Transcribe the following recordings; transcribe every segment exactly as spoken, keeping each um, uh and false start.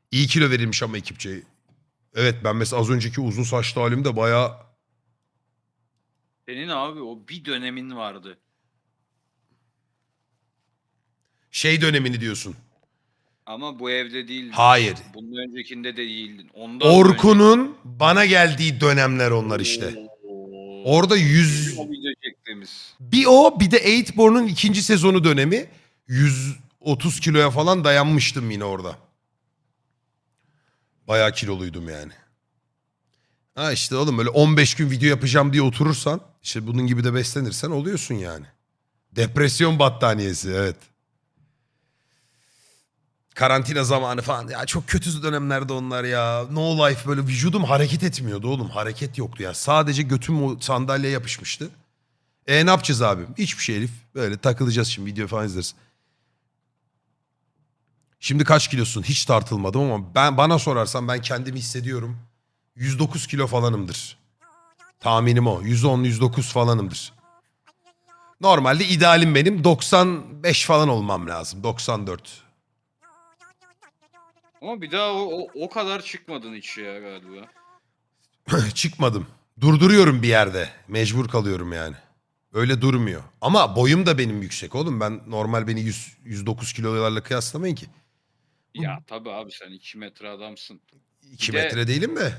İyi kilo verilmiş ama ekipçe. Evet ben mesela az önceki uzun saçlı halimde bayağı... Senin abi o bir dönemin vardı. Şey dönemini diyorsun. Ama bu evde değildin. Hayır. Bunun öncekinde de değildin. Ondan da önceki. Orkun'un bana geldiği dönemler onlar işte. Oo. Orada Bizim yüz... o video çektiğimiz. Bir o bir de Eightborn'un ikinci sezonu dönemi. yüz otuz kiloya falan dayanmıştım yine orada. Bayağı kiloluydum yani. Ha işte oğlum böyle on beş gün video yapacağım diye oturursan, işte bunun gibi de beslenirsen oluyorsun yani. Depresyon battaniyesi, evet. Karantina zamanı falan. Ya çok kötü dönemlerde onlar ya. No life, böyle vücudum hareket etmiyordu oğlum. Hareket yoktu ya. Sadece götüm o sandalyeye yapışmıştı. E ne yapacağız abi? Hiçbir şey Elif. Böyle takılacağız şimdi, video falan izleriz. Şimdi kaç kilosun? Hiç tartılmadım ama ben bana sorarsan ben kendimi hissediyorum. yüz dokuz kilo falanımdır. Tahminim o. yüz on yüz dokuz falanımdır. Normalde idealim benim doksan beş falan olmam lazım. doksan dört. Ama bir daha o, o, o kadar çıkmadın hiç ya galiba. Çıkmadım. Durduruyorum bir yerde. Mecbur kalıyorum yani. Öyle durmuyor. Ama boyum da benim yüksek oğlum. Ben normal beni yüz, yüz dokuz kilolarla kıyaslamayın ki. Ya tabii abi sen iki metre adamsın. iki Bir de metre değilim de.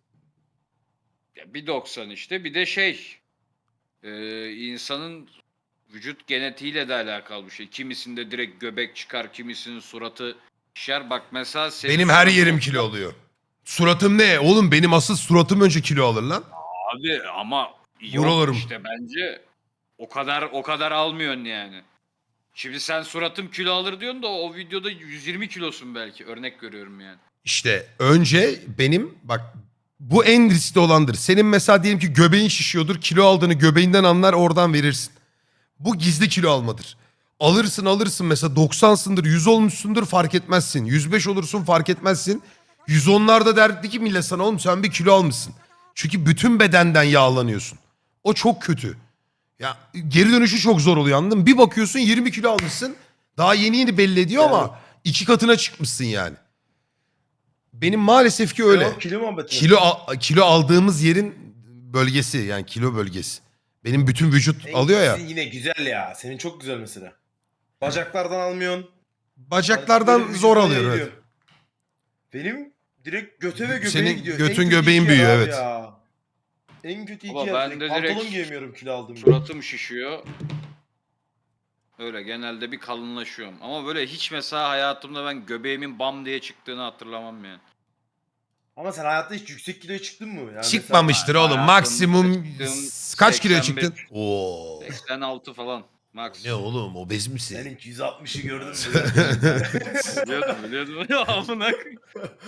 ya bir doksan işte bir de şey e, insanın vücut genetiğiyle de alakalı bir şey. Kimisinde direkt göbek çıkar, kimisinin suratı şişer. Bak mesela senin Benim her suratın o yerim kilo oluyor. Suratım ne? Oğlum benim asıl suratım önce kilo alır lan. abi ama yok Buralarım. işte bence o kadar o kadar almıyorsun yani. Şimdi sen suratım kilo alır diyorsun da o videoda yüz yirmi kilosun belki. Örnek görüyorum yani. İşte önce benim bak, bu en riskli olandır. Senin mesela diyelim ki göbeğin şişiyordur. Kilo aldığını göbeğinden anlar, oradan verirsin. Bu gizli kilo almadır. Alırsın alırsın mesela doksansındır, yüz olmuşsundur, fark etmezsin. yüz beş olursun, fark etmezsin. yüz onlarda derdi ki millet sana, oğlum sen bir kilo almışsın. Çünkü bütün bedenden yağlanıyorsun. O çok kötü. Ya geri dönüşü çok zor oluyor, anladın mı? Bir bakıyorsun yirmi kilo almışsın. Daha yeni yeni belli ediyor Yani- ama iki katına çıkmışsın yani. Benim maalesef ki öyle. Devam, kilo muhabbeti mi? Kilo al- kilo aldığımız yerin bölgesi, yani kilo bölgesi. Benim bütün vücut En- alıyor ya. Senin yine güzel ya. Senin çok güzel mesela. Bacaklardan almıyorsun. Bacaklardan Böyle zor vücuduna alıyor, evet. yayılıyor. Benim direkt göte ve göbeğe Senin gidiyor. götün, En kötü göbeğin iki yer büyüyor, abi evet. Ya. En kötü iki Ama yer ben direkt. de Pantolon direkt giyemiyorum kilo aldığım için. Suratım şişiyor. Öyle genelde bir kalınlaşıyorum. Ama böyle hiç mesela hayatımda ben göbeğimin bam diye çıktığını hatırlamam yani. Ama sen hayatta hiç yüksek kiloya çıktın mı? Yani Çıkmamıştır Mesela oğlum. hayatımda Maksimum çıktığım kaç kiloya seksen beş, çıktın? Oo. seksen altı falan. Max. Ne oğlum, obez Mesela misin? senin yüz altmışı gördün mü? Biliyordum biliyordum. Ya amına koyayım.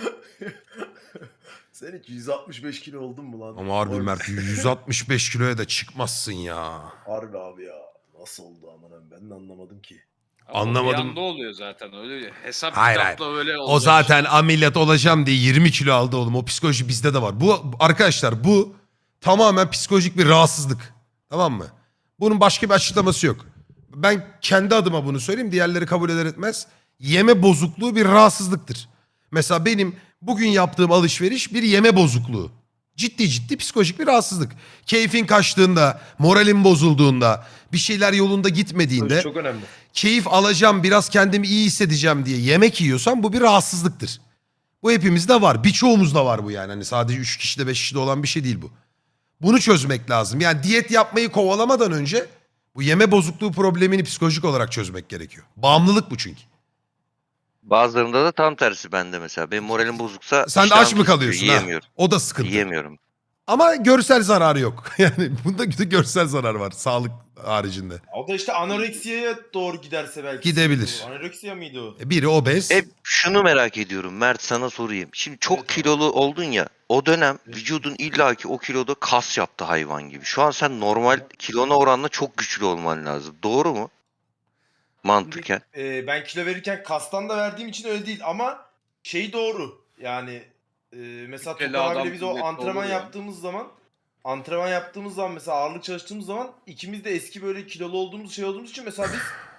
Sen hiç yüz altmış beş kilo oldun mu lan? Ama harbi Oy. Mert, yüz altmış beş kiloya da çıkmazsın ya. Harbi abi ya. Nasıl oldu aman ben de anlamadım ki. Ama Anlamadım. O bir anda oluyor zaten öyle. Hesap Hayır, kitapla öyle O olacak zaten işte. ameliyat olacağım diye yirmi kilo aldı oğlum. O psikoloji bizde de var. Bu arkadaşlar, bu tamamen psikolojik bir rahatsızlık. Tamam mı? Bunun başka bir açıklaması yok. Ben kendi adıma bunu söyleyeyim. Diğerleri kabul eder etmez. Yeme bozukluğu bir rahatsızlıktır. Mesela benim bugün yaptığım alışveriş bir yeme bozukluğu. Ciddi ciddi psikolojik bir rahatsızlık. Keyfin kaçtığında, moralin bozulduğunda, bir şeyler yolunda gitmediğinde, Çok önemli. keyif alacağım, biraz kendimi iyi hissedeceğim diye yemek yiyorsan bu bir rahatsızlıktır. Bu hepimizde var. Birçoğumuzda var bu yani. Hani sadece üç kişide beş kişide olan bir şey değil bu. Bunu çözmek lazım. Yani diyet yapmayı kovalamadan önce bu yeme bozukluğu problemini psikolojik olarak çözmek gerekiyor. Bağımlılık bu çünkü. Bazılarında da tam tersi bende mesela. Benim moralim bozuksa Sen de iştahım aç mı kesiliyor, kalıyorsun ha? yiyemiyorum. O da sıkıntı. Yiyemiyorum. Ama görsel zararı yok. Yani bunda görsel zarar var sağlık haricinde. O da işte anoreksiyaya doğru giderse belki. Gidebilir. sıkıntı olur. Anoreksiya mıydı o? E, Biri obez. Hep şunu merak ediyorum Mert, sana sorayım. Şimdi çok Evet abi. kilolu oldun ya. O dönem Evet. vücudun illaki o kiloda kas yaptı hayvan gibi. Şu an sen normal kilona oranla çok güçlü olman lazım. Doğru mu? Mantıken. Ee, ben kilo verirken kastan da verdiğim için öyle değil ama şey doğru. Yani e, mesela Kütleli Tokan adam abiyle biz o kuvvetli antrenman olur ya. yaptığımız zaman antrenman yaptığımız zaman mesela ağırlık çalıştığımız zaman ikimiz de eski böyle kilolu olduğumuz şey olduğumuz için mesela biz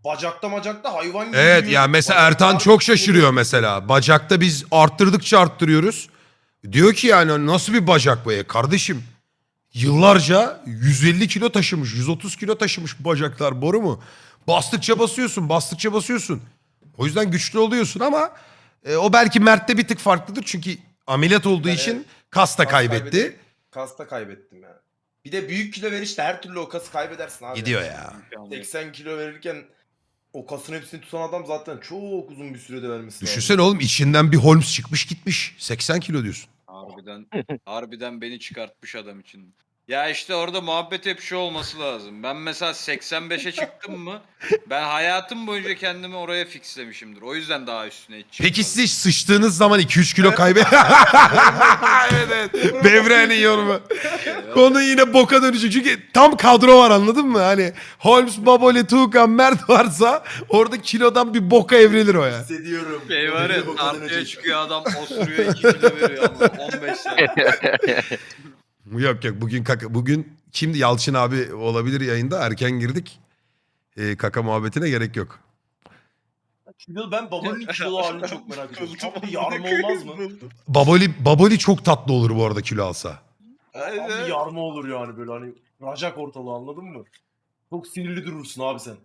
bacakta macakta hayvan gibi Evet büyüyor. ya mesela Bacaklar Ertan çok büyüyor. şaşırıyor mesela. Bacakta biz arttırdıkça arttırıyoruz. Diyor ki yani nasıl bir bacak bu ya kardeşim? Yıllarca yüz elli kilo taşımış, yüz otuz kilo taşımış bu bacaklar, boru mu? Bastıkça basıyorsun, bastıkça basıyorsun. O yüzden güçlü oluyorsun ama e, o belki Mert'te bir tık farklıdır. Çünkü ameliyat olduğu Yani için kas da kas kaybetti. kaybedip- Kasta kaybettim yani. Bir de büyük kilo verişte her türlü o kası kaybedersin abi. Gidiyor ya. seksen kilo verirken o kasın hepsini tutan adam zaten çok uzun bir sürede vermesi lazım. Düşünsene oğlum içinden bir Holmes çıkmış gitmiş. seksen kilo diyorsun. Harbiden, harbiden beni çıkartmış adam için. Ya işte orada muhabbet hep şu olması lazım. Ben mesela seksen beşe çıktım mı ben hayatım boyunca kendimi oraya fixlemişimdir. O yüzden daha üstüne hiç çıkmadım. Peki siz hiç sıçtığınız zaman iki üç kilo kaybet... evet evet. Devrenin yorumu. Konu yine boka dönecek. Çünkü tam kadro var anladın mı? Hani Holmes, Baboli, Tuğkan, Mert varsa orada kilodan bir boka evrilir o ya. Hissediyorum. Şey var Öyle ya bu kadar tartıya önce. çıkıyor adam osuruyor iki kilo veriyor ama on beş sene. Yok yok bugün kaka, bugün kimdi Yalçın abi olabilir yayında, erken girdik. Ee, kaka muhabbetine gerek yok. Kilo ben babanın kilo halini çok merak ediyorum. Tam bir yarma olmaz mı? Baboli, Baboli çok tatlı olur bu arada kilo alsa. Tam bir yarma olur yani böyle hani racak ortalığı anladın mı? Çok sinirli durursun abi sen.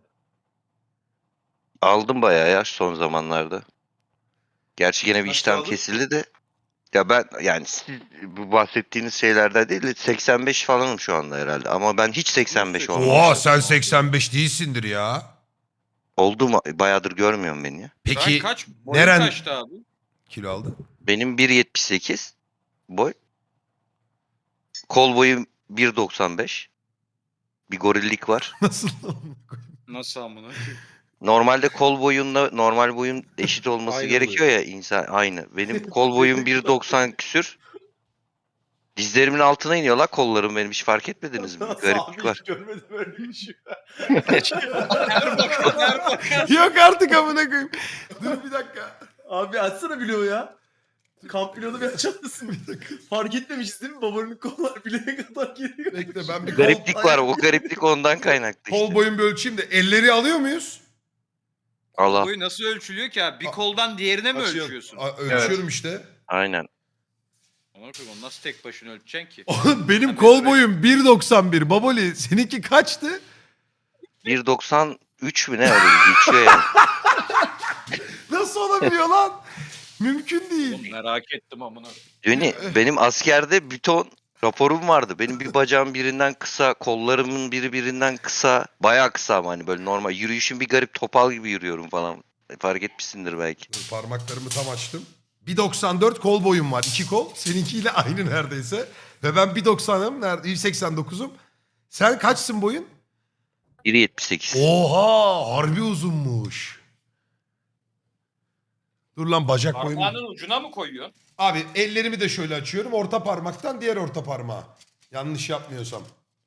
Aldım bayağı ya son zamanlarda. Gerçi gene bir Kaç işlem aldın? kesildi de. Ya ben yani siz bu bahsettiğiniz şeylerden değil de seksen beş falanım şu anda herhalde. Ama ben hiç seksen beş Oha, olmamışım. Oha sen seksen beş değilsindir ya. Oldu mu? Bayağıdır görmüyorum beni ya. Sen Peki kaç? Boyun neren kaçtı abi? kilo aldı? Benim bir yetmiş sekiz boy. Kol boyum bir doksan beş. Bir gorillik var. Nasıl? Nasıl amına? Normalde kol boyunla normal boyun eşit olması Aynı gerekiyor ya insan aynı. Benim kol boyum bir doksan küsür. Dizlerimin altına iniyor la kollarım benim, hiç fark etmediniz mi? Nasıl Gariplik abi var. hiç görmedim öyle bir şey. Her bakan her bakan. Yok artık amına koyayım. Dur bir dakika. Abi açsana bloğu ya. Kamp bloğunu bir açar mısın? Fark etmemişiz değil mi? Babanın kollar bileğe kadar geliyor. Bekle ben bir kol, Gariplik var, o gariplik ondan kaynaklı kol işte. boyun bir ölçeyim de elleri alıyor muyuz? Allah. Boyu nasıl ölçülüyor ki abi? Bir koldan diğerine mi Açıyorum. ölçüyorsun? A- ölçüyorum işte. Aynen. Ona koyayım onu nasıl tek başına ölçeceksin ki? Oğlum benim Ben kol böyle- boyum bir doksan bir. Baboli seninki kaçtı? bir doksan üç mü ne öyle bir geçiyor yani. Nasıl olabiliyor lan? Mümkün değil. Oğlum merak ettim amına. Döni, benim askerde büton raporum vardı. Benim bir bacağım birinden kısa, kollarımın biri birinden kısa. Bayağı kısa ama hani böyle normal. Yürüyüşüm bir garip, topal gibi yürüyorum falan. Fark etmişsindir belki. Dur, parmaklarımı tam açtım. bir doksan dört kol boyum var. iki kol. Seninkiyle aynı neredeyse. Ve ben bir doksanım. Nerede? bir seksen dokuzum. Sen kaçsın boyun? bir yetmiş sekiz. Oha! Harbi uzunmuş. Dur lan bacak boyum. Parmağının ucuna mı koyuyorsun? Abi ellerimi de şöyle açıyorum. Orta parmaktan diğer orta parmağa. Yanlış yapmıyorsam.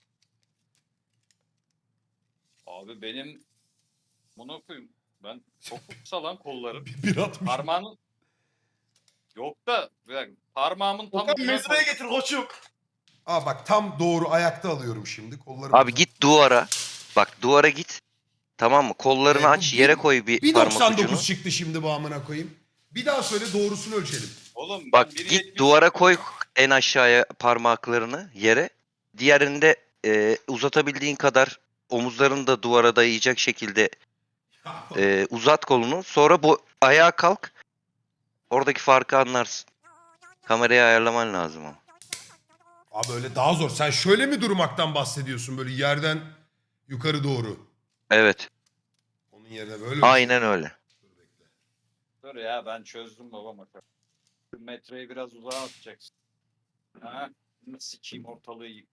Abi benim bunu koyayım. Ben çok kısa lan kollarım. bir altmış. Parmağının yok da bir dakika, parmağımın tam Okan ucuna mezraya koy. getir koçum. Aa bak tam doğru ayakta alıyorum şimdi. Kollarımı Abi git duvara. Bak duvara git. Tamam mı? Kollarını Ee, bu aç, bir- yere koy bir, bir parmak doksan ucunu. dokuz çıktı şimdi bu amına koyayım. Bir daha söyle doğrusunu ölçelim. Oğlum ben Bak bir git yetmiş duvara koy en aşağıya parmaklarını yere. Diğerinde e, uzatabildiğin kadar omuzlarını da duvara dayayacak şekilde e, uzat kolunu. Sonra bu ayağa kalk. Oradaki farkı anlarsın. Kamerayı ayarlaman lazım ama. Abi öyle daha zor. Sen şöyle mi durmaktan bahsediyorsun böyle yerden yukarı doğru? Evet. Onun yerine böyle mi? Aynen öyle. Dur ya ben çözdüm babam bakalım. Şu metreyi biraz uzağa atacaksın. Ha? Sikeyim ortalığı yık.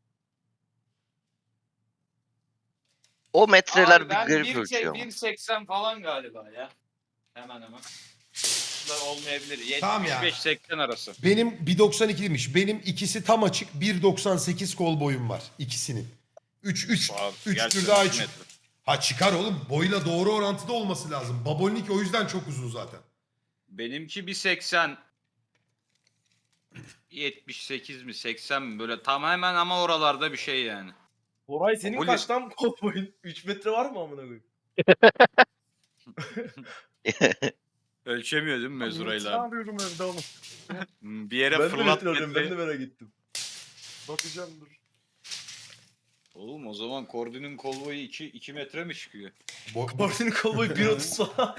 O metreler Abi bir ben garip bir ölçüyor ama. bir seksen falan galiba ya. Hemen hemen. Da olmayabilir. Tamam ya. yetmiş beş seksen arası. Benim bir doksan ikiymiş. Benim ikisi tam açık. bir doksan sekiz kol boyum var ikisinin. üç üç Abi, üç gerçekten tür daha iki açık. metre. Ha çıkar oğlum. Boyla doğru orantıda olması lazım. Babolinki o yüzden çok uzun zaten. Benimki bir seksen yetmiş sekiz mi seksen mi böyle tam hemen ama oralarda bir şey yani. Boray senin Baboli- kaç tam kol boyun? üç metre var mı amına koyayım? Ölçemiyor değil mi mezurayla? abi? arıyorum evde oğlum. Hmm, Bir yere Ben de fırlat metre arıyorum. Ben de metreyi. merak ettim. Bakacağım dur. Oğlum o zaman Kordi'nin kol boyu iki metre mi çıkıyor? Bo- Martin'in kol boyu bir otuz falan.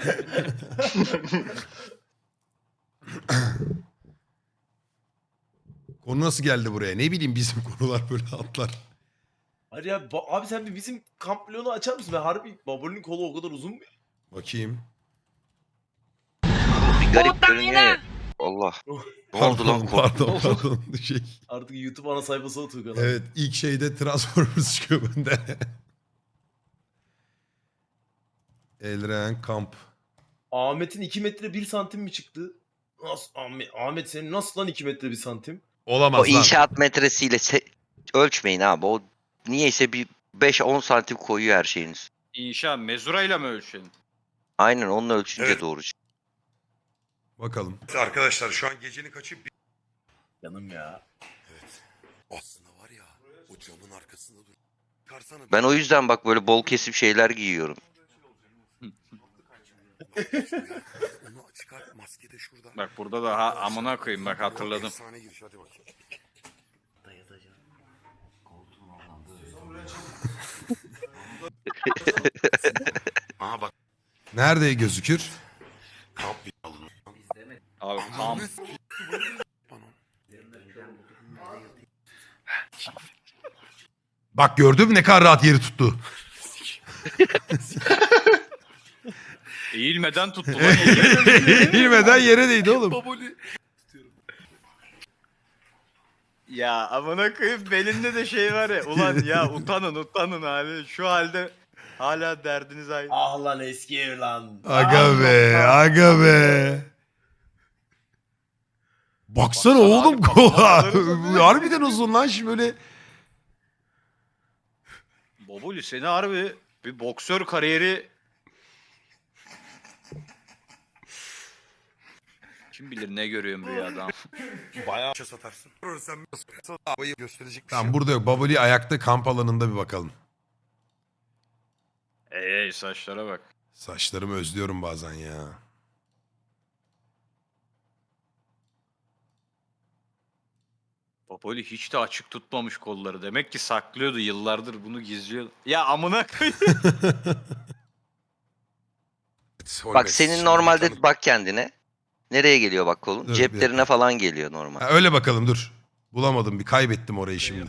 Konu nasıl geldi buraya? Ne bileyim bizim konular böyle atlar. Hayır ya ba- abi sen bir bizim kamp vlogunu açar mısın? Ben harbi Babol'ün kolu o kadar uzun mu? Bakayım. Bir garip görünüyor ya. Allah. Ne oldu lan? Pardon, Korktum. pardon, pardon. Şey, Artık YouTube ana sayfası o Tuğkan abi. evet, ilk şeyde Transformers çıkıyor bende. Elren Kamp. Ahmet'in iki metre bir santim mi çıktı? Nasıl Ahmet, Ahmet senin nasıl lan iki metre bir santim? Olamaz O lan. inşaat metresiyle se- ölçmeyin abi. O niyeyse bir beş on santim koyuyor her şeyiniz. İnşa mezurayla mı ölçelim? Aynen onunla ölçünce Evet. doğru çıkıyor. Bakalım. Arkadaşlar şu an gecenin kaçı? Canım ya. Evet. Aslında var ya o camın arkasında dur. Çıkarsana. Ben o yüzden bak böyle bol kesim şeyler giyiyorum. Onu çıkar, maske de şurada. Bak burada da ha, amına koyayım bak hatırladım. Efsane giriş, hadi bakayım. Aha bak. Nerede gözükür? Kamp bir alın. Abi tam Bak gördün mü ne kadar rahat yeri tuttu. eğilmeden tuttu lan. Bilmeden yere değdi oğlum. Ya amına koyayım belinde de şey var ya. Ulan ya utanın utanın abi. Şu halde hala derdiniz aynı. Ah lan eski ev lan. Aga Ah be, lan. aga be. Baksana Baksana oğlum abi, kola. kafaları- Harbiden uzun lan şimdi böyle. Bobuli seni harbi bir boksör kariyeri kim bilir ne görüyorum rüyada. Bayağı satarsın. Sen havayı gösterecek. Tamam burada yok. Baboli ayakta kamp alanında bir bakalım. Ey ey saçlara bak. Saçlarımı özlüyorum bazen ya. Bobuli hiç de açık tutmamış kolları. Demek ki saklıyordu yıllardır bunu gizliyordu. Ya amına koyayım. Bak senin normalde bak kendine. Nereye geliyor bak kolun? Dur, bir Ceplerine dakika. falan geliyor normal. Ha, öyle bakalım dur. Bulamadım bir kaybettim orayı şimdi.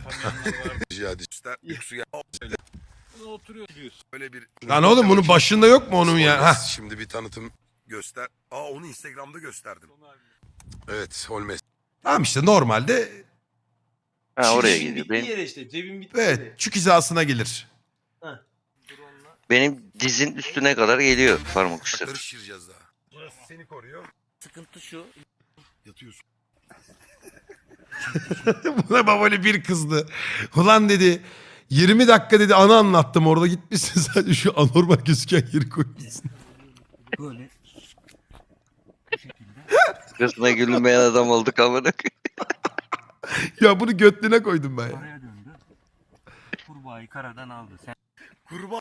Öyle bir Lan oğlum bunun başında yok mu onun ya? Hah. Şimdi bir tanıtım göster. Aa onu Instagram'da gösterdim. Evet, Holmes. Tamam işte normalde Ha oraya Cebin geliyor. bittiği Benim, yere işte. Cebin bittiği evet yere. çük hizasına gelir. benim dizin üstüne kadar geliyor parmak uçları. Ayakları şişireceğiz daha. Burası seni koruyor. Sıkıntı şu. Yatıyorsun. Buna babali bir kızdı. Ulan dedi yirmi dakika dedi anı anlattım orada gitmişsin sadece şu anormal gözüken yeri koymuşsun. Böyle Kızına gülünmeyen adam olduk amına koyayım. Ya bunu götlüğüne koydum ben ya. karaya döndü. Kurbağayı karadan aldı. Sen Kurban.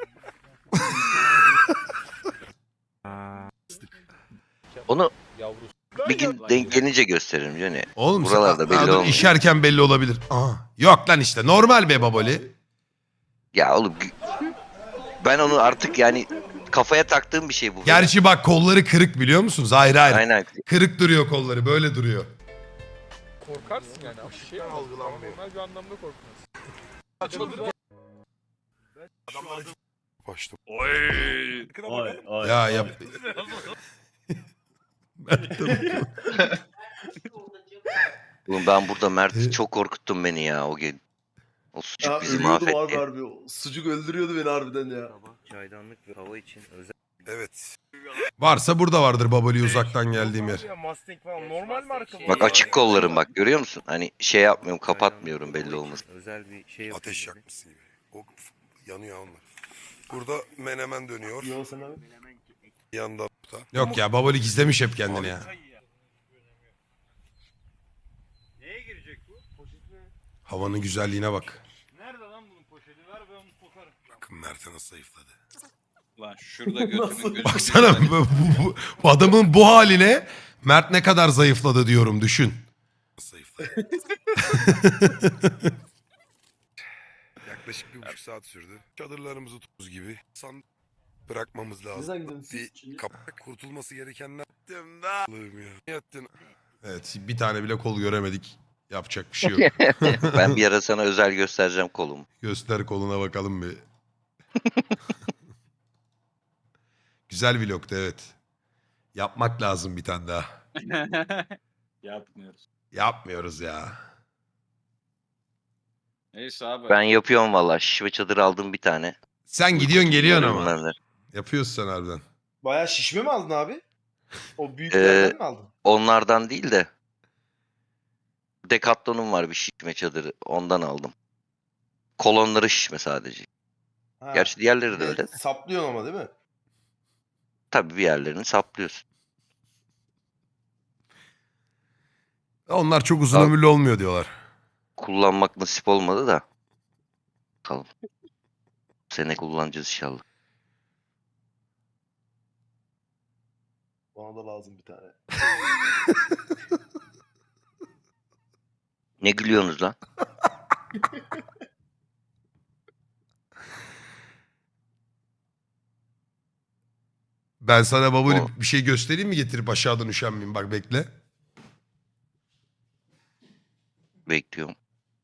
Onu bir gün denk gelince gösteririm Johnny. Oğlum Buralarda sen- belli Aa, dur, olmuyor. işerken belli olabilir. Aha. Yok lan işte normal be babali. Ya oğlum gü- ben onu artık yani kafaya taktığım bir şey bu. Gerçi bak kolları kırık biliyor musunuz? Hayır hayır. Aynen. Kırık duruyor kolları böyle duruyor. Korkarsın yani. Bir şey algılanmıyor. Normal bir anlamda korkmaz. Başladım. Oy. Ay ay. Ya ay. yap. Oğlum ben burada Mert'i çok korkuttun beni ya o gün. O sucuk Ya bizi ölüyordum abi mahvetti. harbi. O Sucuk öldürüyordu beni harbiden ya. çaydanlık ve hava için özel Evet. Varsa burada vardır babali uzaktan geldiğim yer. Mustang falan normal marka bu. Bak açık kollarım bak görüyor musun? Hani şey yapmıyorum kapatmıyorum belli olmasın. özel bir şey Ateş yapıyorum. yakmışsın gibi. O yanıyor onlar. Burada menemen dönüyor. Yo sen abi. Bir yanda burada. Yok ya babali gizlemiş hep kendini ya. Neye girecek bu? Havanın güzelliğine bak. Nerede lan bunun poşeti? Ver ben onu sokarım. Bakın Mert'e nasıl zayıfladı. Lan şurada götünün Nasıl? gözü. Baksana bu, bu- bu- bu adamın bu haline Mert ne kadar zayıfladı diyorum düşün. Zayıfla. Yaklaşık bir buçuk saat sürdü. Çadırlarımızı tuz gibi san bırakmamız lazım. Neden gidiyorsun siz? Bir kapak kurtulması gerekenler. Yattım da. Allah'ım ya. Yattın. Evet bir tane bile kol göremedik. Yapacak bir şey yok. Ben bir ara sana özel göstereceğim kolumu. Göster koluna bakalım bir. Güzel vlogtu evet. Yapmak lazım bir tane daha. Yapmıyoruz. Yapmıyoruz ya. Neyse abi. Ben yapıyorum valla. Şişme çadır aldım bir tane. Sen gidiyorsun geliyorsun ama. Bunlar. Yapıyorsun sen harbiden. Bayağı şişme mi aldın abi? O büyüklerden mi aldın? Onlardan değil de Decathlon'um var bir şişme çadırı. Ondan aldım. Kolonları şişme sadece. Ha. Gerçi diğerleri de Bir öyle. Saplıyorsun ama değil mi? Tabii bir yerlerini saplıyorsun. Onlar çok uzun Abi- ömürlü olmuyor diyorlar. Kullanmak nasip olmadı da. Bakalım. Bu sene kullanacağız inşallah. Bana da lazım bir tane. Ne gülüyorsunuz lan? Ben sana babuli O- bir şey göstereyim mi getirip aşağıdan üşenmeyeyim bak bekle. Bekliyorum.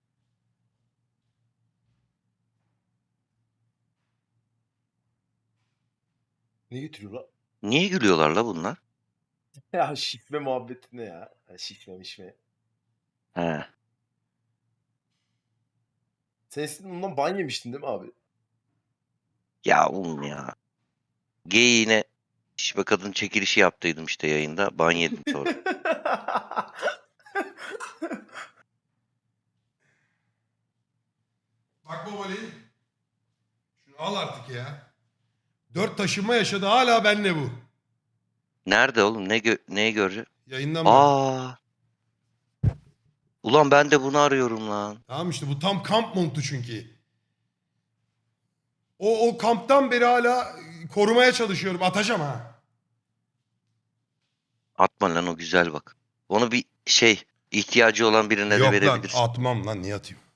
Ne getiriyor lan? Niye gülüyorlar la bunlar? Ya şifre muhabbeti ne ya? ya şifre mişme. He. Sen eskiden ondan ban yemiştin değil mi abi? Ya oğlum ya. Geyiğine şişme kadın çekilişi yaptıydım işte yayında. Ban yedim sonra. Bak babali. Şunu al artık ya. Dört taşınma yaşadı hala benle bu. Nerede oğlum? Ne gö neyi göreceğim? Yayından bak. Aa. Ulan ben de bunu arıyorum lan. Tamam işte bu tam kamp montu çünkü. O, o kamptan beri hala korumaya çalışıyorum. Atacağım ha. Atma lan o güzel bak. Onu bir şey ihtiyacı olan birine de Yok lan verebilirsin. atmam lan niye atayım?